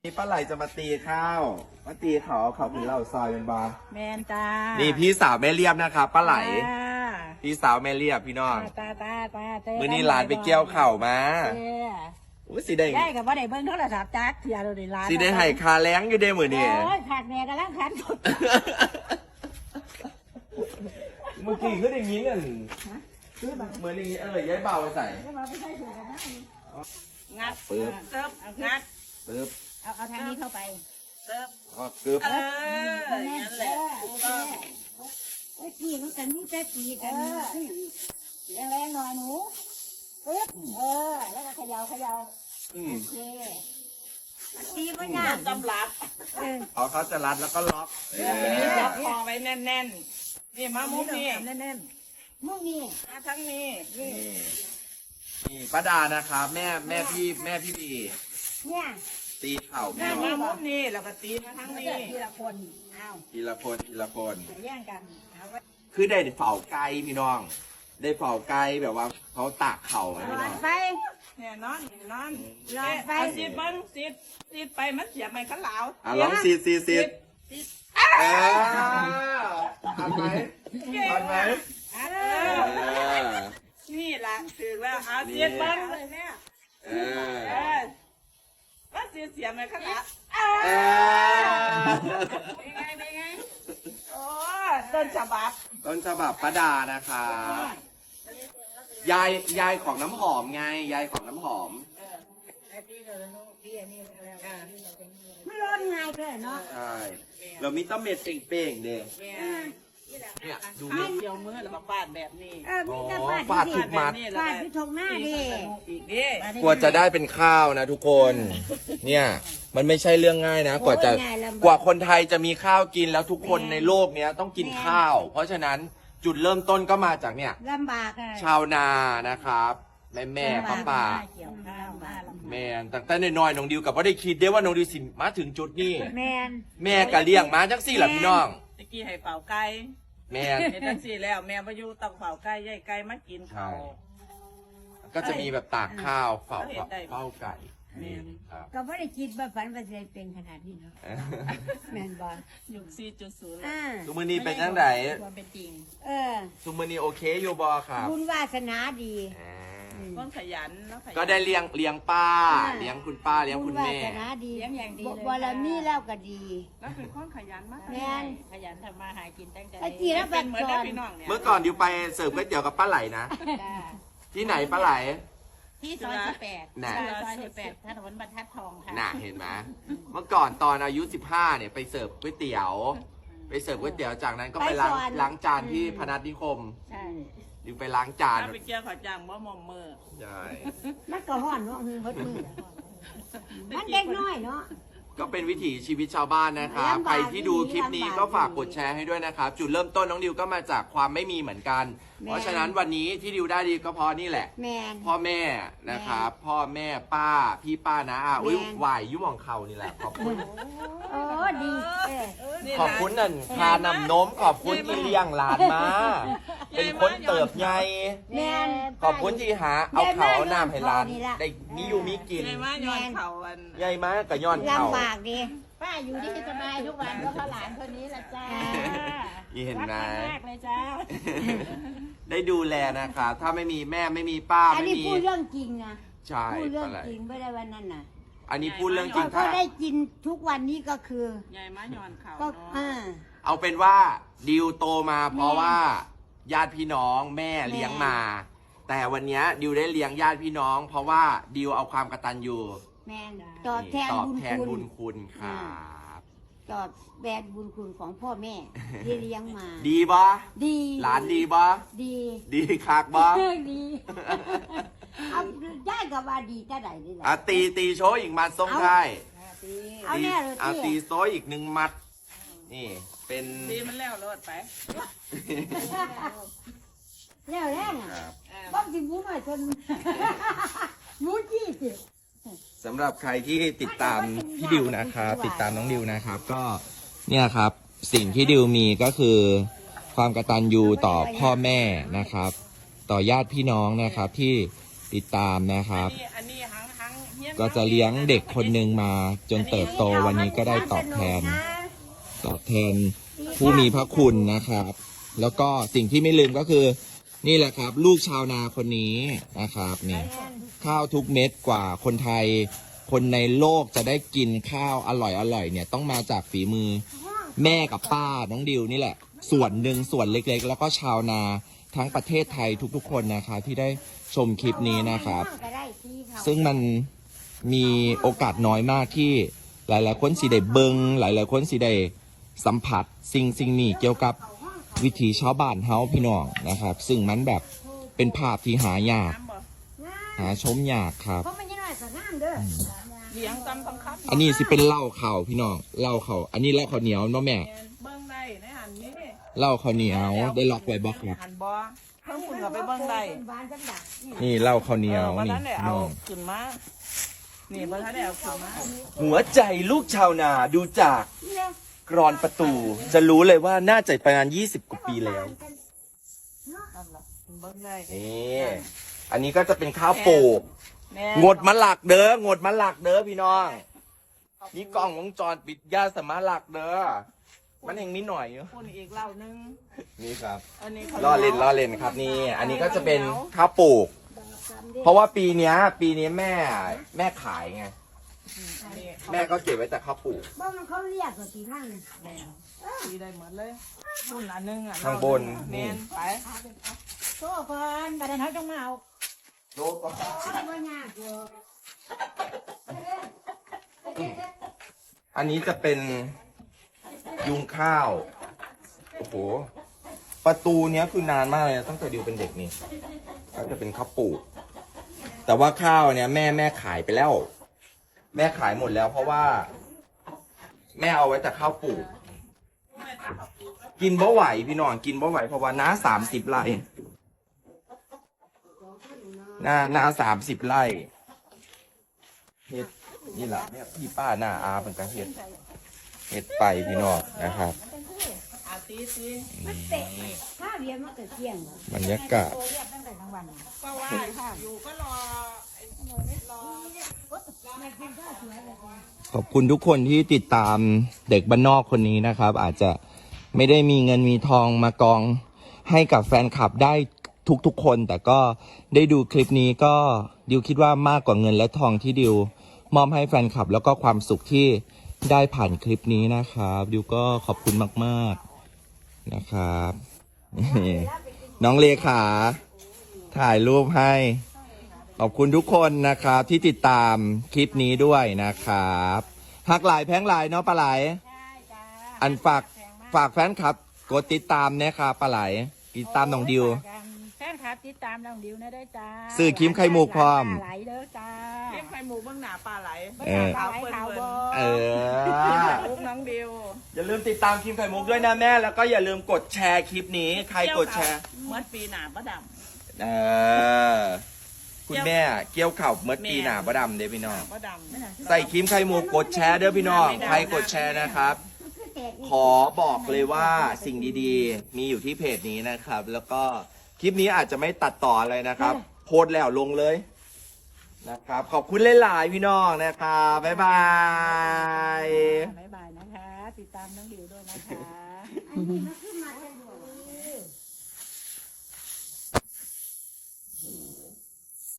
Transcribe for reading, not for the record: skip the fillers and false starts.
นี่ป้าไหลจะมาตีข้าวมาตีเขาคือเหล่าซอยเป็นบอลแมนตานี่พี่สาวแม่เรียบนะครับป้าไหลตาพี่สาวแม่เรียบพี่น้องตาเต้มื้อนี้หลานไปเกี่ยวเข่าวมาเต้อุ้ยสีแดงได้กับว่าได้เบิ้งโทรศัพท์จักเทียเราได้ร้านสีแดงไห่คาแรงอยู่เด้มือนี่โอ้ยขาดแม่กำลังขันสุดเมื่อกี้คืออย่างนี้เนี่ยเหมือนอย่างนี้ย้ายเบาไปใส่มาไม่ใช่เสือกันนะงัดปึ๊บเติบงัดปึ๊บเอาทางนี้เข้าไปเติบก็กึบนั่นแหละถูกต้องโอ้ยกี่มันกันนี่จะกี่กันแรงๆหน่อยหนูปึ๊บแล้วก็เขย่าอืมโอเคตีมันยากตำรับเขาจะรัดแล้วก็ล็อกจับคอไว้แน่นๆนี่มามุกนี่แน่นๆมุกนี่มาทั้งนี้นี่นี่ป้าดานะครับแม่พี่บีเนี่ยตีเข่าแม่มามุกนี่แล้วก็ตีมาทั้งนี้ทีละคนเอาทีละคนแย่งกันเอาไว้คือได้เฝ้าไกลพี่น้อง ได้เฝ้าไกลแบบว่าเขาตากเข่าอะพี่หลน้อองดไฟเนี่ยนอนนอนหลอดไฟเอาซีดเบิ้งซีดไปมันเสียบไม่ขันเหลาอ่ะลองซีดทันไหมเออนี่ล่ะถือแล้วเอาซีดเบิ้งเลยแม่ว่าเสียบไม่ขันเหลาเป็นไงโอ้ต้นฉบับต้นฉบับป้าดานะครับยายของน้ำหอมไงยายของน้ำหอมไม่ร้อนไงเพื่อนเนาะใช่เรามีต้มเม็ดเป่งๆเด้เนี่ยดูนี่เดียวมือแล้วมาฟาดแบบนี้มีแต่ฟาดฟาดทุกมัดฟาดที่ทงหน้าดิอีกดิกว่าจะได้เป็นข้าวนะทุกคน เนี่ยมันไม่ใช่เรื่องง่ายนะ กว่าคนไทยจะมีข้าวกินแล้วทุกคนในโลกเนี้ยต้องกินข้าว เพราะฉะนั้นจุดเริ่มต้นก็มาจากเนี่ยลำบากอะชาวนานะครับแม่ป้าเกี่ยวข้าวมาลำบากแม่ตั้งแต่น้อยๆน้องดิวกับว่าได้คิดได้ว่าน้องดิวสิมาถึงจุดนี้แมนแม่ก็เลี้ยงมาจังสี่ล่ะพี่น้องตะกี้ให้เป่าไก่แม่เห็นจังสี่แล้วแม่มาอยู่ต้องเป่าไก่ย่ายไก่มากินเขาวก็จะมีแบบตากข้าวเฝ้าไก่แม่นครับก็ไม่ได้คิดว่าฝันว่าจะเป็นขนาดนี้เนาะแมนบอลยุค4.0 ทุกมื้อนี้เป็นจังไดความเป็นจริงทุกมื้อนี้โอเคอยู่บ่ครับบุญวาสนาดีอ่าต้องขยันแล้วขยันก็ได้เลี้ยงป้าเลี้ยงคุณป้าเลี้ยงคุณแม่บุญวาสนาดีเลี้ยงอย่างดีเลยบารมีแล้วก็ดีแล้วเป็นคนขยันมากแม่นขยันทำมาหากินตั้งใจไอ้ที่รับเป็นเหมือนบัตรกับพี่น้องเนี่ยเมื่อก่อนดิวไปเสิร์ฟก๋วยเตี๋ยวกับป้าไหลนะ ที่ไหนป้าไหลที่ซอย18 น่ะซอย18ถนนบรรทัดทองค่ะน่ะเห็นไหมเมื่อก่อนตอนอายุ15เนี่ยไปเสิร์ฟก๋วยเตี๋ยว จากนั้นก็ไปล้างจานที่พนัสนิคมใช่ดิวไปล้างจานถ้าไปเกี่ยวขอจังบ่มอมมือใช่มันก็ห่อนเนาะฮือฮดมือมันเด็กน้อยเนาะก็เป็นวิถีชีวิตชาวบ้านนะครับลำบากใครที่ดูคลิปนี้ก็ฝากลำบากกดแชร์ให้ด้วยนะครับ จุดเริ่มต้นน้องดิวก็มาจากความไม่มีเหมือนกันแม่เพราะฉะนั้นวันนี้ที่ดิวได้ดีก็เพราะนี่แหละแมนพ่อแม่นะครับ พ่อแม่ป้าพี่ป้านะอุ้ยแม่วายยุ่มของเขานี่แหละขอบคุณโอ้ดีนี่ขอบคุณนั่นพานำนมขอบคุณที่เลี้ยงหลานมา เป็นคนเติบใหญ่แมนขอบคุณที่หาเอาเขาเอาน้ำให้หลานนี่ล่ะได้มีอยู่มีกินใช่ไหมย้อนเขาอันใหญ่มากกับย้อนเขาลำบากดีป้าอยู่ที่สบายทุกวันเพราะเขาหลานคนนี้แหละจ้านี่เห็นไหมรักมากเลยจ้าได้ดูแลนะครับ ถ้าไม่มีแม่ไม่มีป้าอันไม่นี้มีพูดเรื่องจริงนะใช่พูดเรื่องอะไรจริงไม่ได้วันนั้นน่ะอันนี้พูดเรื่องจริงก็ถ้าได้กินทุกวันนี้ก็คือใหญ่มาย้อนเขาก็เนาะเอาเป็นว่าดิวโตมาเพราะว่าญาติพี่น้องแม่เลี้ยงมา แต่วันเนี้ยดิวได้เลี้ยงญาติพี่น้อง เพราะว่าดิวเอาความกตัญญูแมนตอบแทนตอบบุญแทนคุบุณญคุณครับตอบแทนบุญคุณของพ่อแม่ที่เลี้ยงมาดีบ่ดีหลานดีบ่ดีดีคักบ่ดีเอาได้กับว่าดีก็ได้นี่แหละอ่ะตีโชว์อีกมัดส่งได้เอาแน่เลยอ่ะตีที่โซอีก1 มัด นี่เป็นดีมันแล้วรอดไปแล้วแรงอ่ะครับบ้องจิหมูหน่อยจน หมูจี้สิสำหรับใครที่ติดตามพี่ดิวนะครับติดตามน้องดิวนะครับ ก็เนี่ยครับสิ่งที่ดิวมีก็คือ ความกตัญญูต่อพ่อแม่นะครับ ต่อญาติพี่น้องนะครับที่ติดตามนะครับอันนี้หังเฮี้ยก็จะเลี้ยงเด็กคนหนึ่งมาจนเติบโตวันนี้ก็ได้ตอบแทนผู้มีพระคุณนะครับ แล้วก็สิ่งที่ไม่ลืมก็คือ นี่แหละครับ ลูกชาวนาคนนี้นะครับนี่ข้าวทุกเม็ดกว่าคนไทย คนในโลกจะได้กินข้าวอร่อยเนี่ยต้องมาจากฝีมือแม่กับป้าน้องดิวนี่แหละ ส่วนหนึ่งส่วนเล็กๆ แล้วก็ชาวนาทั้งประเทศไทยทุกๆคนนะครับที่ได้ชมคลิปนี้นะครับ ซึ่งมันมีโอกาสน้อยมากที่หลายๆคนสิได้เบิงหลายๆคนสิได้สัมผัสสิ่งนี้เกี่ยวกับวิถีชาวบ้านเฮาพี่น้องนะครับ ซึ่งมันแบบเป็นภาพที่หายากหาชมยากครับเลี้ยงตำบังคับอันนี้สิเป็นเหล้าเข่าพี่น้องเหล้าเข่าอันนี้เหล้าข้าวเหนียวเนาะแม่เบิ้งได้ในหันนี้เหล้าข้าวเหนียวได้ล็อกไว้บอกครับหันบ่เพิ่งคุณกับไปเบิ้งได้นี่เหล้าข้าวเหนียววันนี่นั้นได้พี่เอาน้องขึ้นมานี่วันนั้นได้เอาขึ้นมาหัวใจลูกชาวนาดูจากกรอนประตู จะรู้เลยว่าน่าจะประมาณ20 กว่าปีแล้วนั่นแหละเบิ้งได้นี่อันนี้ก็จะเป็นข้าวโป่งแม่งดมะหลักเด้องดมะหลักเด้อพี่น้องนี่กล้องวงจรปิดยาสมาหลักเด้อมันเองนิดหน่อยอยู่คนอีกเหล่านึงนี่ครับอันนี้ล่อเล่นครับนี่ อันนี้ก็จะเป็นข้าวปลูก เพราะว่าปีเนี้ยแม่ขายไงแม่ก็เก็บไว้แต่ข้าวปลูกบ้านมันเขาเรียกว่ากี่ข้างดีได้หมดเลยนู่นอันนึงอ่ะข้างบนเมนี่นไปโซ่ก่อนบัดนั้นเขาต้องมาเอาโลก็บ่ยากอยู่อันนี้จะเป็นยุงข้าวโอ้โหประตูเนี้ยคือนานมากเลยนะตั้งแต่ดิวเป็นเด็กนี่ก็จะเป็นข้าวปลูก แต่ว่าข้าวเนี่ยแม่ขายไปแล้ว แม่ขายหมดแล้ว เพราะว่า แม่เอาไว้แต่ข้าวปลูก กินบ่ไหวพี่น้องกินบ่ไหวเพราะว่าน้า30 ไร่น้า30 ไร่เฮ็ดนี่แหละเนี่ยพี่ป้าหน้าอาเป็นกระเฮ็ดไปพี่น้องนะครับอาตีตีมันเตะถ้าเรียนมันก็เที่ยงบรรยากาศโตเรียกตั้งแต่กลางวันก็ว่าอยู่ก็รอรอไม่กินข้าวสวยเลยขอบคุณทุกคนที่ติดตามเด็กบ้านนอกคนนี้นะครับ อาจจะไม่ได้มีเงินมีทองมากองให้กับแฟนคลับได้ทุกๆคน แต่ก็ได้ดูคลิปนี้ก็ดิวคิดว่ามากกว่าเงินและทองที่ดิวมอบให้แฟนคลับ แล้วก็ความสุขที่ได้ผ่านคลิปนี้นะครับดิวก็ขอบคุณมากๆนะครับนี่น้องเลขาถ่ายรูปให้ ขอบคุณทุกคนนะครับที่ติดตามคลิปนี้ด้วยนะครับหักหลายแพงหลายเนาะปลาไหลใช่จ้าอันฝากแฟนคลับกดติดตามนะครับปลาไหลติดตามน้องดิวแฟนคลับติดตามน้องดิวนะได้จ้าซื้อครีมไข่มุกพร้อมไหลเด้อจ้าเลี้ยงไข่หมูเบื้องหน้าปลาไหลเออขาวเปิ้ลขาวเปิ้บ่เออลูกน้องดิวอย่าลืมติดตามครีมไข่มุกด้วยนะแม่ แล้วก็อย่าลืมกดแชร์คลิปนี้ ใครกดแชร์เมื่อปีหน้าประดเออคุณแม่เกี่ยวข่าวเมื่อปีหน้าประดำเด้อพี่น้องำประดำใส่ครีมไข่มุกกดแชร์เด้อพี่น้องใครกดแชร์นะครับ ขอบอกเลยว่าสิ่งดีๆ มีอยู่ที่เพจนี้นะครับ แล้วก็คลิปนี้อาจจะไม่ตัดต่ออะไรนะครับ โพสต์แล้วลงเลยนะครับ ขอบคุณหลายๆพี่น้องนะครับบ๊ายบายบ๊ายบายนะคะ ติดตามน้องดิวด้วยนะคะอันนี้มันคือ